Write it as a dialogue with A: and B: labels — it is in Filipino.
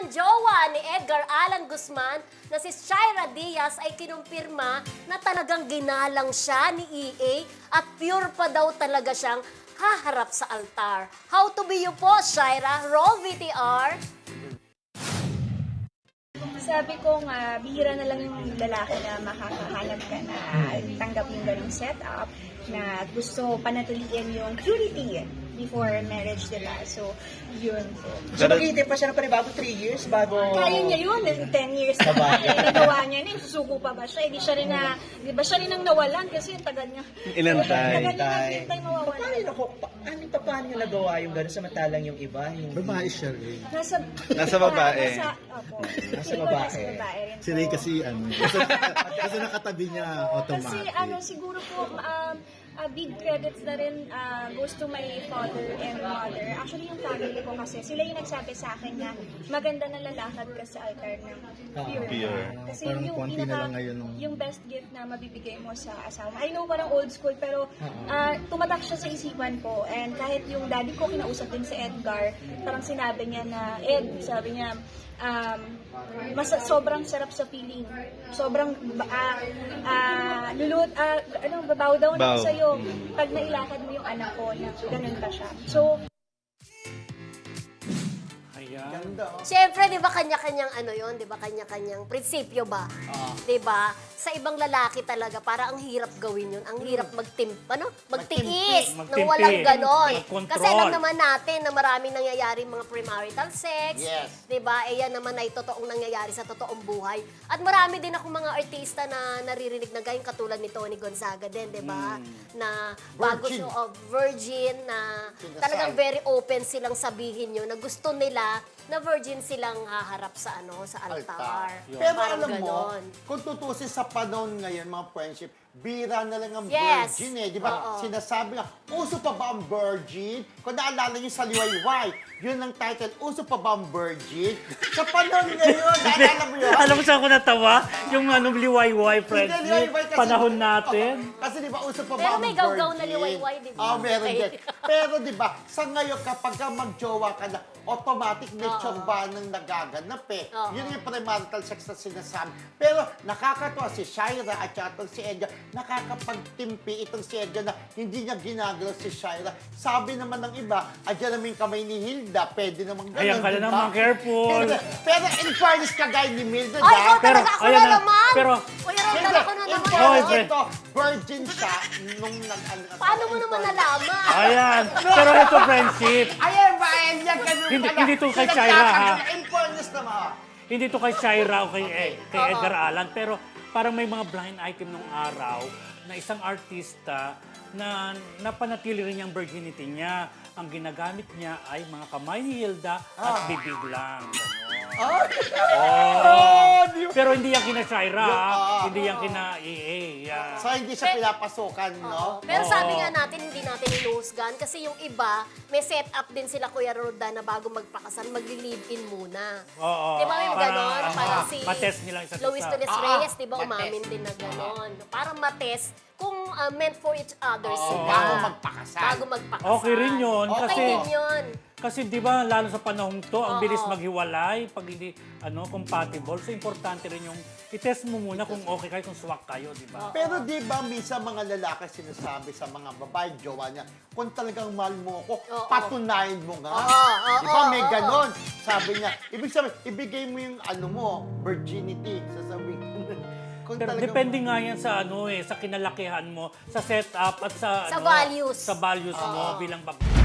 A: ang jowa ni Edgar Allan Guzman na si Shaira Diaz ay kinumpirma na talagang ginalang siya ni EA at pure pa daw talaga siyang haharap sa altar. How to be you po, Shaira? Roll VTR.
B: Sabi ko nga, bihira na lang yung lalaki na makakahanap ka na tanggap yung ganung setup na gusto panatilian yung purity before marriage, diba? So, yun.
C: So, maghihintay pa siya ng panibago 3 years bago...
B: Kaya niya yun, 10 years na nagawa niya na, susuko pa ba siya? Hindi siya rin na, di ba siya rin ang nawalan kasi yung tagal niya.
C: Inantay.
B: Tagal niya naghihintay mawawalan.
C: Paano niyo nagawa yung gano'n samantalang yung iba? Yung...
D: Babae siya rin.
C: Nasa babae.
B: Opo.
C: Nasa babae.
B: rin
D: Si Ray
B: po.
D: kasi kasi nakatabi niya automatic.
B: Kasi siguro po, big credits na rin goes to my father and mother. Actually, yung family ko kasi, sila yung nagsabi sa akin na maganda na lalakad ka sa altar ng pure. Kasi
D: Parang
B: yung
D: konti na lang ngayon nung-
B: yung best gift na mabibigay mo sa asawa. I know parang old school, pero tumatak siya sa isipan ko. And kahit yung daddy ko, kinausap din si Edgar, parang sinabi niya na, sabi niya, sobrang sarap sa feeling. Sobrang babaw daw na sa'yo pag nailakad mo yung anak ko na ganun pa siya. So,
A: Siyempre, di ba kanya-kanyang ano yon, di ba kanya-kanyang prinsipyo ba? Di ba? Sa ibang lalaki talaga, para ang hirap gawin yun. Ang hirap magtiis, nang walang ganon.
E: Mag-control.
A: Kasi alam naman natin na marami nangyayari mga premarital sex.
C: Yes.
A: Di ba? Eh yan naman ay totoong nangyayari sa totoong buhay. At marami din ako mga artista na naririnig na gayong katulad ni Tony Gonzaga din, di ba? Na bago
C: Virgin.
A: virgin na talagang very open silang sabihin yun na gusto nila na virgin silang haharap sa altar.
F: Pero
A: Parang
F: alam mo,
A: ganon.
F: kung tutusin sa panahon ngayon, mga friendship, bira na lang ang
A: Yes.
F: virgin eh. Di ba?
A: Oo.
F: Sinasabi nga, uso pa ba ang virgin? Kung naalala niyo sa Liwayway, yun ang title, uso pa ba ang virgin? Sa panahon ngayon, naalala mo yun?
E: Alam mo saan ko natawa? Yung liwayway,
F: Hindi,
E: friends.
F: liwayway kasi-
E: Panahon natin.
F: Kasi di ba, uso pa ba
A: Pero
F: ang
A: may
F: virgin?
A: gawgaw na liwayway, di ba?
F: Meron
A: Okay.
F: din. Pero di ba, sa ngayon, kapag ka magjowa ka na, automatic may tsorba nang nagaganap eh.
A: Oo.
F: Yun yung premarital sex na sinasabi. Pero nakakatuwa si Shaira at saka itong si Edgar, nakakapagtimpi itong si Edgar na hindi niya ginagalaw si Shaira. Sabi naman ng iba, adyan naman yung kamay ni Hilda, pwede naman ganun.
E: Ayan ka na
F: di ba?
E: naman, careful.
F: Pero in fairness kagaya ni Mildred,
A: Ay, ikaw
E: Pero,
A: talaga, ako
E: ayan
A: na
E: na.
A: naman!
E: Pero-
A: Kuya Ron,
F: Hindi,
A: ako na
F: in
A: naman!
E: Hoy,
F: fairness,
E: pre.
F: ito, virgin siya nung
A: Paano mo naman nalaman?
E: Ayan. Pero ito, friendship.
F: Ayan ba, yan ganun
E: Hindi-
F: pala.
E: hindi to kay Shaira, ha?
F: In fairness naman.
E: Hindi to kay Shaira o kay Edgar Allan, pero parang may mga blind item nung araw na isang artista na napanatili rin yung virginity niya. Ang ginagamit niya ay mga kamay ni Hilda at bibig lang. Ganon. Pero hindi yan kina Shaira, hindi yan kina EA. Yeah.
F: So, hindi siya pinapasukan, no?
A: Pero sabi nga natin, hindi natin inuhusgan kasi yung iba, may set up din sila Kuya Roda na bago magpakasal, magli-live-in muna.
E: Oo.
A: Di ba may ganon? Parang si
E: matest nila isa't
A: Luis
E: isa.
A: Torres Reyes, di ba
F: matest.
A: umamin din na ganon. Parang matest kung meant for each other sila.
F: Bago magpakasal.
A: Bago magpakasal.
E: Okay rin yun,
A: Okay
E: kasi-
A: din yun.
E: Kasi di ba, lalo sa panahon to, ang
A: Oo.
E: bilis maghiwalay pag hindi compatible. So, importante rin yung i-test mo muna kung okay kayo, kung swak kayo, di ba?
F: Pero di ba minsan mga lalaki sinasabi sa mga babae, jowa niya, kung talagang mahal mo ako,
A: Oo.
F: patunayan mo nga.
A: Oo,
F: Di ba may
A: oo,
F: ganon? Sabi niya, ibig sabihin, ibigay mo yung virginity. Sasabihin kung
E: Pero
F: talagang-
E: depende nga yan sa sa kinalakihan mo, sa setup at sa
A: Sa values.
E: Sa values mo bilang babae.